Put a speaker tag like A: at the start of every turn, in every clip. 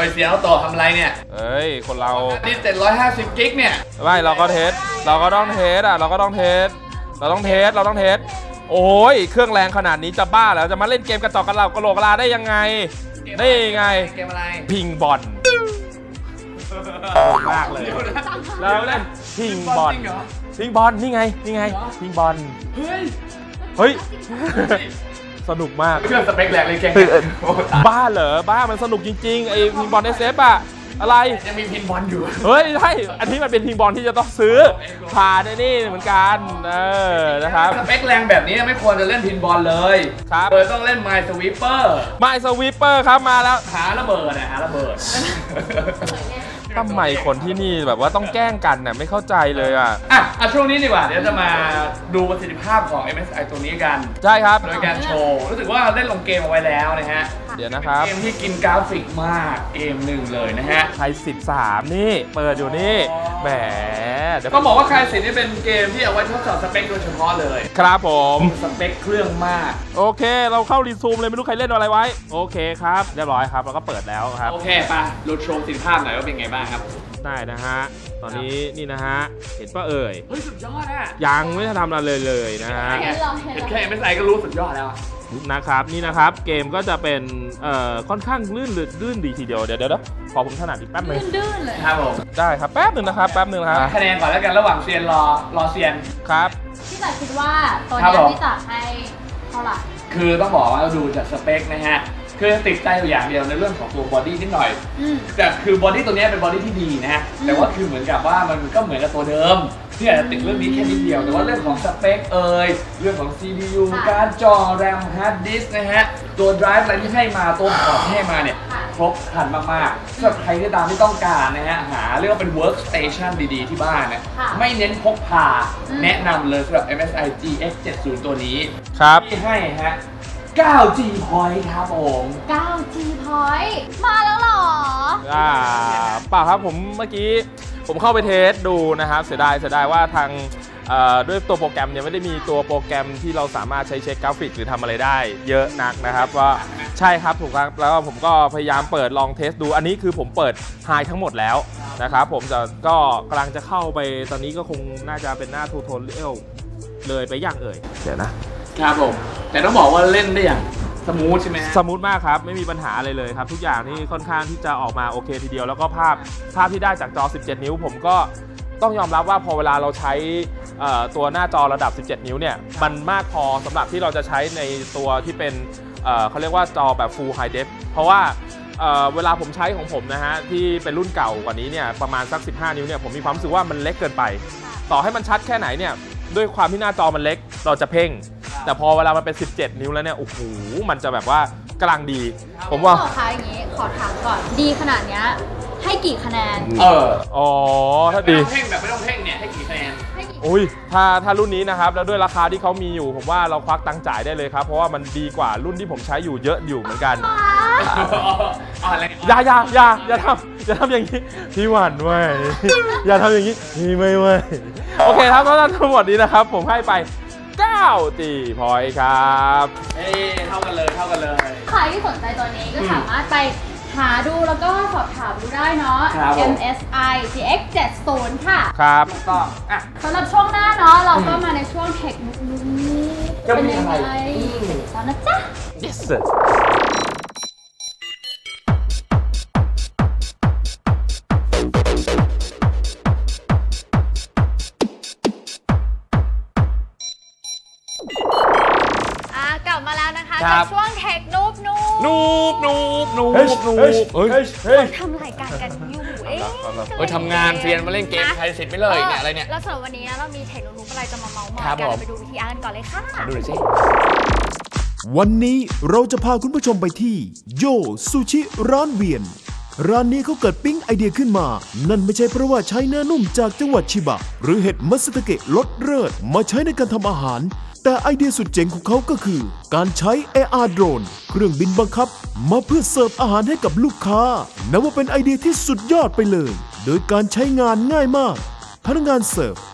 A: ยเสียเอาต่อทำอะไรเนี่ย
B: เอ้ยคนเรา
A: นี่750กิกเนี่ย
B: ไม่เราก็เทสเราก็ต้องเทสเราต้องเทสโอ้ยเครื่องแรงขนาดนี้จะบ้าแล้วจะมาเล่นเกมกระจอกกระโหลกกะลาได้ยังไง
A: เกมอะไร
B: พิงบอลมากเลยแล้วเล่นพิงบอลนี่ไงพิงบอลเฮ้ยสนุกมาก
A: เครื่องสเปคแรงเลยแก
B: บ้าเหรอบ้ามันสนุกจริงๆไอ้พิงบอลSFอะอะไร
A: ยังมีพิงบอลอยู่
B: เฮ้ยใช่อันนี้มันเป็นพิงบอลที่จะต้องซื้อผ่านนี่เหมือนกันนะครับ
A: สเปคแรงแบบนี้ไม่ควรจะเล่นพิงบอลเลย
B: ครับ
A: เลยต้องเล่น My
B: Sweeper ครับมาแล้ว
A: หาระเบิด
B: ทำไมคนที่นี่แบบว่าต้องแกล้งกันน่ะไม่เข้าใจเลยอ่ะ
A: ช่วงนี้ดีกว่าเดี๋ยวจะมาดูประสิทธิภาพของ MSI ตัวนี้กัน
B: ใช่ครับ
A: โดยการโชว์รู้สึกว่าเล่นลงเกมเอาไว้แล้วนะฮะ
B: เดี๋ยวนะครับ
A: เกมที่กินกราฟิกมากเกมหนึ่งเลยนะฮะ
B: ไค13นี่เปิดอยู่นี่แหม
A: ก็บอกว่าไค10นี่เป็นเกมที่เอาไว้ทดสอบสเปคโดยเฉพาะเลย
B: ครับผม
A: สเปคเครื่องมาก
B: โอเคเราเข้ารีซูมเลยไม่รู้ใครเล่นอะไรไว้โอเคครับเรียบร้อยครับเราก็เปิดแล้วครับ
A: โอเคป่ะลดโชว์ประสิทธิภาพหน่อยว่าเป็นไงบ้างครับ
B: ได้นะฮะตอนนี้นี่นะฮะเห็นป่ะเอ่ย
A: เฮ้ยสุดยอดอะ
B: ยังไม่ได้ทำอะไรเลยนะฮะ
A: เห็นแค่ MSI ก็รู้สุดยอดแล้ว
B: นะครับนี่นะครับเกมก็จะเป็นค่อนข้างลื่นดีทีเดียวเดี๋ยวพอผมถนัดอีกแป๊บนึง
C: ลื่นเลย
A: ครับผม
B: ได้ครับแป๊บนึงนะครับ
A: คะแนนก่อนแล้วกันระหว่างเซียนรอเซียน
B: ครับ
C: พี่จ๋าคิดว่าตัวนี้พี่จ๋าให้เท่าไหร่
A: คือต้องบอกว่าเราดูจากสเปคนะฮะคือติดใจอยู่อย่างเดียวในเรื่องของตัวบอดี้นิดหน่อยแต่คือบอดี้ตัวนี้เป็นบอดี้ที่ดีนะฮะแต่ว่าคือเหมือนกับว่ามันก็เหมือนกับตัวเดิมที่อาจจะติดเรื่องนี้แค่นิดเดียวแต่ว่าเรื่องของสเปคเรื่องของ CPU การ์ดจอ RAM Hard Disk นะฮะตัว Drive อะไรที่ให้มาตัวพอร์ตที่ให้มาเนี่ยครบครันมากๆสำหรับใครที่ตามที่ต้องการนะฮะหาเรียกว่าเป็น Workstation ดีๆที่บ้านนะไม่เน้นพกพาแนะนำเลยสำหรับ MSI GX70 ตัวนี้
B: ครับ
A: ที่ให้ฮะ9G Point ครับผม
C: 9G Point มาแล้วหรอ
B: เปล่าครับผมเมื่อกี้ผมเข้าไปเทสดูนะครับเสียดายว่าทางด้วยตัวโปรแกรมเนี่ยไม่ได้มีตัวโปรแกรมที่เราสามารถใช้เช็คกราฟิกหรือทำอะไรได้เยอะนักนะครับว่าใช่ครับถูกครับแล้วผมก็พยายามเปิดลองเทสดูอันนี้คือผมเปิดไฮทั้งหมดแล้วนะครับผมก็กำลังจะเข้าไปตอนนี้ก็คงน่าจะเป็นหน้าทูโทเรียลเลยไปอย่างเอ่ยเดี๋ยว
A: นะครับผมแต่ต้องบอกว่าเล่นได้อย่างสมูทใช่ไหม
B: สมูทมากครับไม่มีปัญหาอะไรเลยครับทุกอย่างนี่ค่อนข้างที่จะออกมาโอเคทีเดียวแล้วก็ภาพที่ได้จากจอ17นิ้วผมก็ต้องยอมรับว่าพอเวลาเราใช้ตัวหน้าจอระดับ17นิ้วเนี่ยมันมากพอสำหรับที่เราจะใช้ในตัวที่เป็นเขาเรียกว่าจอแบบ Full High Def เพราะว่าเวลาผมใช้ของผมนะฮะที่เป็นรุ่นเก่ากว่านี้เนี่ยประมาณสัก15นิ้วเนี่ยผมมีความรู้สึกว่ามันเล็กเกินไปต่อให้มันชัดแค่ไหนเนี่ยด้วยความที่หน้าจอมันเล็กเราจะเพ่งแต่พอเวลามันเป็น17นิ้วแล้วเนี่ยโอ้โหมันจะแบบว่ากำลังดีผมว่า
C: ขออย่างนี้ขอถามก่อนดีขนาดนี้ให้กี่คะแนน
B: ถ้าดี
A: เพ่งแบบไม่ต้องเพ่งเนี่ยให้กี่คะแนน
B: อุ้ยถ้ารุ่นนี้นะครับแล้วด้วยราคาที่เขามีอยู่ผมว่าเราควักตังค์จ่ายได้เลยครับเพราะว่ามันดีกว่ารุ่นที่ผมใช้อยู่เยอะอยู่เหมือนกันอย่าทำอย่างนี้พี่หวานไว้อย่าทำอย่างนี้พี่ไม่ไว้โอเคครับก็ทั้งหมดนี้นะครับผมให้ไป9G Point ครับ
A: เท่ากันเลย
C: ใครที่สนใจตัวนี้ก็สามารถไปหาดูแล้วก็สอบถามดูได้เนาะ MSI GX70 ค่ะ
B: ครับ
A: ถูกต้อง
C: สำหรับช่วงหน้าเนาะเราก็มาในช่วงเทคนิคนี้เป็นยังไงตอนนะจ๊ะ
B: Yes
C: กลับมาแล้วนะคะกับช่วงเทคนูบทำรายการกันอยู่
A: ทำงานเรียนมาเล่นเกมใครเสร็จไม่เลยเนี่ยอะไรเนี่ย
C: แล้วสำหรับวันนี้นะเรามีเทคนูบอะไรจะมาเมาส์มอยกันไปดูวิธีอ่านก่อนเลยค่ะ
A: ดูหน่อยสิ
D: วันนี้เราจะพาคุณผู้ชมไปที่โยซูชิร้านเวียนร้านนี้เขาเกิดปิ๊งไอเดียขึ้นมานั่นไม่ใช่เพราะว่าใช้เนื้อนุ่มจากจังหวัดชิบะหรือเห็ดมัตสึตะเกะรสเลิศมาใช้ในการทำอาหารแต่ไอเดียสุดเจ๋งของเขาก็คือการใช้ AR โดรนเครื่องบินบังคับมาเพื่อเสิร์ฟอาหารให้กับลูกค้านับว่าเป็นไอเดียที่สุดยอดไปเลยโดยการใช้งานง่ายมากพนักงานเสิร์ฟ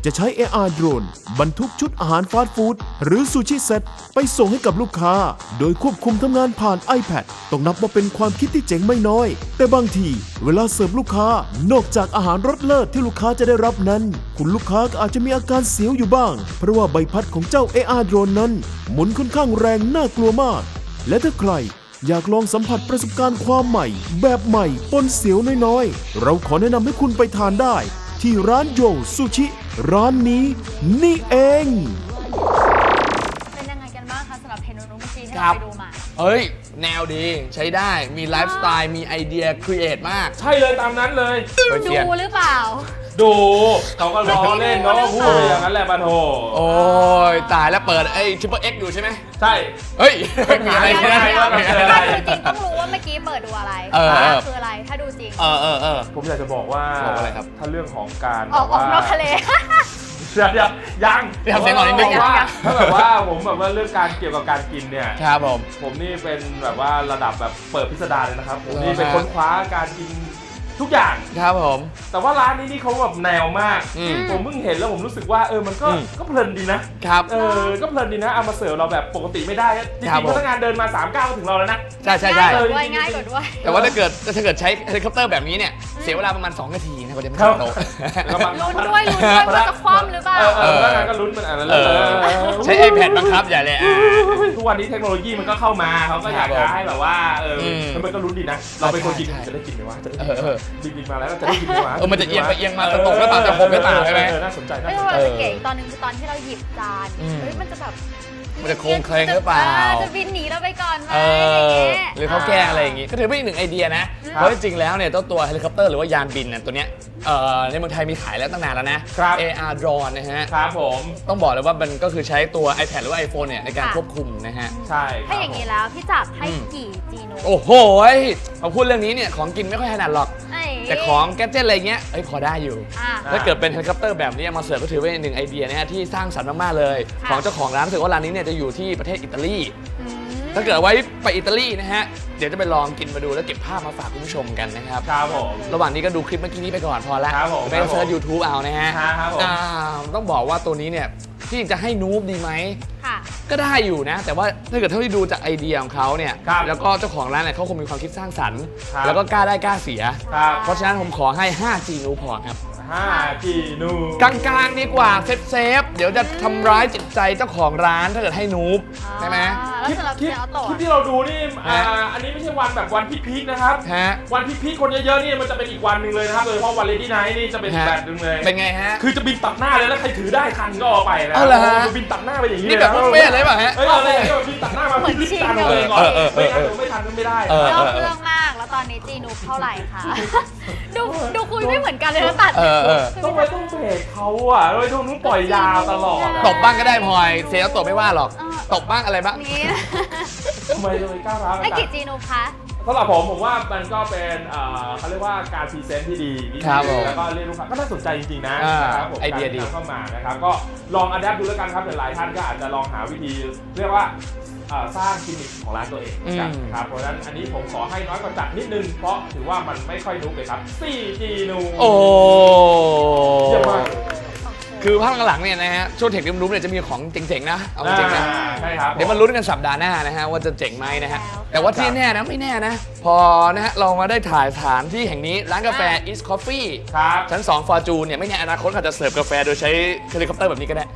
D: จะใช้ AR โดรนบรรทุกชุดอาหารฟาสต์ฟู้ดหรือซูชิเซ็ตไปส่งให้กับลูกค้าโดยควบคุมทำงานผ่าน iPad ต้องนับว่าเป็นความคิดที่เจ๋งไม่น้อยแต่บางทีเวลาเสิร์ฟลูกค้านอกจากอาหารรสเลิศที่ลูกค้าจะได้รับนั้นคุณลูกค้าก็อาจจะมีอาการเสียวอยู่บ้างเพราะว่าใบพัดของเจ้า AR โดรนนั้นหมุนค่อนข้างแรงน่ากลัวมากและถ้าใครอยากลองสัมผัสประสบการณ์ความใหม่แบบใหม่ปนเสียวน้อยๆเราขอแนะนำให้คุณไปทานได้ที่ร้านโยซูชิร้านนี้นี่เอง
C: เป็นยังไงกันบ้างคะสำหรับเมนูเมื่อกี้ที่เราไปดูมา
A: เฮ้ยแนวดีใช้ได้มีไลฟ์สไตล์มีไอเดียครีเอทมาก
B: ใช่เลยตามนั้นเลย
C: ดูหรือเปล่า
B: ดูเขาก็ล้อเล่นเขาก็พูดอย่างนั้นแหละปะโถ
A: โอ้ยตายแล้วเปิดไอ้ทริปเปิลเอ็กอยู่ใช่ไหม
B: ใช่
A: เฮ้ยมีอะไร
C: ถ้าดูจริงต้องรู้ว่าเมื่อกี้เปิดดูอะไรคืออะไรถ้าดูจริง
B: ผมอยากจะบอกว่า
A: อะไรครับ
B: ถ้าเรื่องของการ
C: ออกนอกทะเล
B: ยัง
A: ทำเสียงหน่อยนิดนึง
B: ถ้าแบบว่าผมแบบว่าเรื่องการเกี่ยวกับการกินเนี่ย
A: ครับ
B: ผมนี่เป็นแบบว่าระดับแบบเปิดพิสดารเลยนะครับผมนี่เป็นค้นคว้าการกินทุกอย่าง
A: ครับผม
B: แต่ว่าร้านนี้นี่เขาแบบแนวมากผมเพิ่งเห็นแล้วผมรู้สึกว่ามันก็เพลินดีนะครับก็เพลินดีนะเอามาเสิร์ฟเราแบบปกติไม่ได้จริงๆพนักงานเดินมา3 ก้าวถึงเราแล้วนะ
A: ใช่
C: ง่ายกว่าด้วย
A: แต่ว่าถ้าเกิดใช้เฮลิคอปเตอร์แบบนี้เนี่ยเสียเวลาประมาณ2 นาทีนะกว่าจะมาโต๊ะ
C: ลุ้นด้วยว่าจะคว่ำหรือเปล่า
B: พนักงานก็ลุ้นมันอะไร
A: ใช้ iPad บังคับอย่าเลย
B: ทุกวันนี้เทคโนโลยีมันก็เข้ามาเขาก็อยากจะให้แบบว่ามันก็ลุ้นดีนะเราเป็นคนกินจะได้กินไหมวะจะได้บินมาแล้วจะได้กินไหมวะ
A: มันจะเอียงมาตกแล้วเปล่าจะหกไม่ต่างใช่ไหม
B: น่าสนใจ
C: เก๋ตอนนึงคือตอนที่เราหยิบจานมันจะแบบ
A: มันจะโค้งเคลงหรือเปล่า
C: จะบินหนีเราไปก่อนไหม
A: หรือเขาแกล้งอะไรอย่างงี้ก็ถือเป็นอีกหนึ่งไอเดียนะเพราะจริงๆแล้วเนี่ยตัวเฮลิคอปเตอร์หรือว่ายานบินเนี่ยตัวเนี้ยในเมืองไทยมีขายแล้วตั้งนานแล้วนะ AR drone นะฮะ
B: ครับผม
A: ต้องบอกเลยว่ามันก็คือใช้ตัว iPad หรือว่า iPhone เนี่ยในการควบคุมนะฮะ
B: ใช่
C: ถ้าอย่างนี้แล้วพี่จับให้กี่จีโน
A: โอ้โหพอพูดเรื่องนี้เนี่ยของกินไม่ค่อยถนัดหรอกแต่ของแกดเจ็ตอะไรเงี้ยพอได้อยู่ถ้าเกิดเป็นเฮลิคอปเตอร์แบบนี้มาเสิร์ฟก็ถือเป็นหนึ่งไอเดียนะฮะที่สร้างสรรค์มากๆเลยของเจ้าของร้านรู้สึกว่าร้านนี้เนี่ยจะอยู่ที่ประเทศอิตาลีถ้าเกิดไว้ไปอิตาลีนะฮะเดี๋ยวจะไปลองกินมาดูแล้วเก็บภาพมาฝากคุณผู้ชมกันนะครับ
B: ครับผม
A: ระหว่างนี้ก็ดูคลิปเมื่อกี้นี้ไปก่อนพอละไปเสิร์ช YouTube เอานะฮะต้องบอกว่าตัวนี้เนี่ยที่จะให้นูบดีไหมก็ได้อยู่นะแต่ว่าถ้าเกิดเท่าที่ดูจากไอเดียของเขาเนี่ยแล้วก็เจ้าของร้านเนี่ยเขาคงมีความคิดสร้างสรรค์แล้วก็กล้าได้กล้าเสียเพราะฉะนั้นผมขอให้ 5G นูพอครับ
B: 5G นู
A: กลางๆดีกว่าเซฟเดี๋ยวจะทำร้ายจิตใจเจ้าของร้านถ้าเกิดให้นูบใช่ไหม
C: คลิ
B: ปที่เราดูนี่อันนี้ไม่ใช่วันแบบวันพีคนะครับวันพีคคนเยอะๆนี่มันจะเป็นอีกวันหนึ่งเลยนะครับโดยเฉพาะวันเลดี้ไนท์นี่จะเป็นแบบนึงเลย
A: เป็นไงฮะ
B: คือจะบินตัดหน้าเลยแล้วใครถือได้ทันก็เอาไปนะบินตัดหน้าไปอย่างนี้
A: นี่แบบบุฟเฟ่เลยป่ะฮะ
B: อะไรบินตัดหน้ามาพิลิปจานเลยก่อนไม่ทันก็ไม่ได้
C: เรื่องมากแล้วตอนนี้จีนูเท่าไหร่คะดูคุยไม่เหมือนกันเลยนะตัด
B: ต้องเบรกเขาอ่ะโดยทุกนู้นปล่อยยาวตลอด
A: ตบบ้างก็ได้พลอยเซลตบไม่ว่าหรอกตบบ้างอะไรบ้าง
B: ทำไมเลยก้าวร้าว
C: ไอ้กี่จีนูคะ
B: สำหรับผมว่ามันก็เป็นเขาเรียกว่าการพรีเซนต์ที่ดีแล้วก็เรียกลูกค้าก็น่าสนใจจริงๆนะครับ
A: ไอเดียดี
B: เข้ามานะครับก็ลองอัดแอปดูแล้วกันครับหลายท่านก็อาจจะลองหาวิธีเรียกว่าสร้างกิมมิคของร้านตัวเองกันครับเพราะฉะนั้นอันนี้ผมขอให้น้อยกว่าจัดนิดนึงเพราะถือว่ามันไม่ค่อยนุ๊กเลยครับ 4G นู
A: โอ้เยี่ยมมากคือภาคหลังเนี่ยนะฮะช่วงเทคนิครู้เนี่ยจะมีของเจ๋งๆนะเอาจริงๆนะ
B: ใช่ครับ
A: เดี๋ยวมาลุ้นกันสัปดาห์หน้านะฮะว่าจะเจ๋งไหมนะฮะแต่ว่าที่แน่นะไม่แน่นะพอนะฮะเรามาได้ถ่ายสถานที่แห่งนี้ร้านกาแฟ East Coffee ชั้น2 Fortune เนี่ยไม่แน่อนาคตอาจจะเสิร์ฟกาแฟโดยใช้เฮลิคอปเตอร์แบบนี้ก็ได้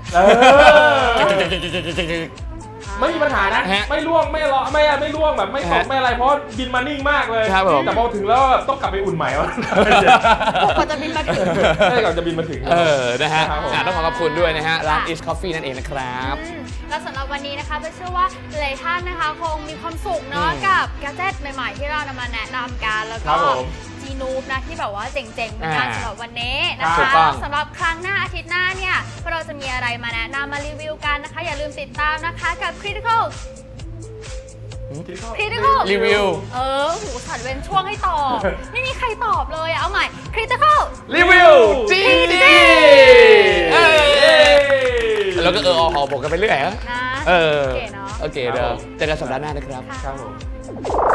B: ไม่มีปัญหานะไม่ล่วงไม่ล้อไม่ล่วงแบบไม่ตกไม่อะไรเพราะบินมานิ่งมากเลยแต่พอถึงแล้วต้องกลับไปอุ่นใหม่ว่า
C: ก่อนจะบินมาถึง
B: ก่อนจะบินมาถึง
A: นะฮะต้องขอบคุณด้วยนะฮะร้าน East Coffee นั่นเองนะครับ
C: และสำหรับวันนี้นะคะเชื่อว่าหลายท่านนะคะคงมีความสุขเนาะกับแกดเจ็ตใหม่ๆที่เรานำมาแนะนำกันแล้วก็จีนูบนะที่แบบว่าเจ๋งๆเหมือนกันสำหรับวันนี้นะคะสำหรับครั้งหน้าอาทิตย์หน้าเนี่ยเราจะมีอะไรมาแนะนำมารีวิวกันนะคะอย่าลืมติดตามนะคะกับ Critical
A: รีวิว
C: หูสัตว์เว้นช่วงให้ตอบไม่มีใครตอบเลยเอาใหม่ Critical
A: รีวิวจริงแล้วก็หอบอกกันไปเรื่อยนะโอเคเนาะโอเคเดี๋ยวเจอกันสัปดาห์หน้านะครับ
B: ครับผม